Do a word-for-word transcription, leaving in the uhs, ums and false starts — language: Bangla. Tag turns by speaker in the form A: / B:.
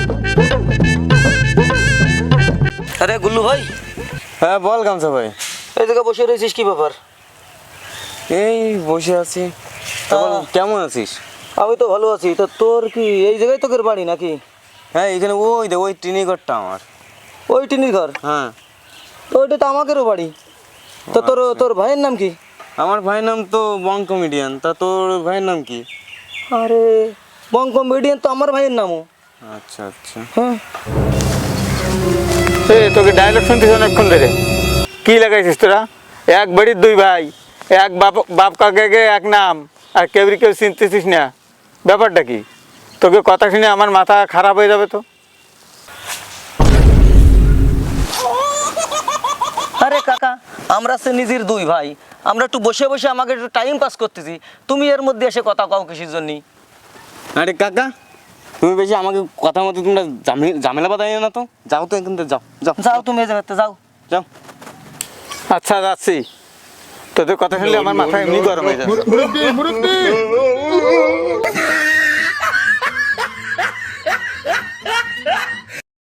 A: আরে গুল্লু ভাই।
B: হ্যাঁ বল গামছা ভাই।
A: এই জায়গায় বসে রয়েছিস কি ব্যাপার?
B: এই বসে আছি। তখন কেমন আছিস?
A: আমি তো ভালো আছি। তা তোর কি এই জায়গায় তোদের বাড়ি নাকি?
B: হ্যাঁ এখানে ওই দে ওই টিনি ঘরটা আমার।
A: ওই টিনির ঘর?
B: হ্যাঁ।
A: তো ওইটা তো আমাদেরও বাড়ি। তো তোর তোর ভাইয়ের নাম কি?
B: আমার ভাইয়ের নাম তো বং কমেডিয়ান। তা তোর ভাইয়ের নাম কি?
A: আরে বং কমেডিয়ান তো আমার ভাইয়ের নামও।
B: আচ্ছা আচ্ছা।
A: হ্যাঁ
C: এ তোকে ডায়লগ শুনতেছ অনেকক্ষণ ধরে। কি লাগাইছিস তোরা? এক বাড়ির দুই ভাই, এক বাপ বাপ কাকাকে এক নাম, আর কেউ কেউ চিনতেছিস না। ব্যাপারটা কি? তোকে কথা শুনে আমার মাথা খারাপ হয়ে যাবে তো।
A: আরে কাকা, আমরা সে নিজের দুই ভাই, আমরা একটু বসে বসে আমাকে একটু টাইম পাস করতেছি, তুমি এর মধ্যে এসে কথা কও কিসের জন্য?
B: আরে কাকা তুমি বেশি আমাকে কথা মতো তোমরা ঝামে- ঝামেলা বাঁধাই না তো। যাও তো এখান থেকে যাও যাও
A: যাও তুমি এই জায়গাতে যাও।
B: যাও।
C: আচ্ছা যাচ্ছি। তোদের কথা শুনলে আমার মাথা এমনি গরম হয়ে যাবে।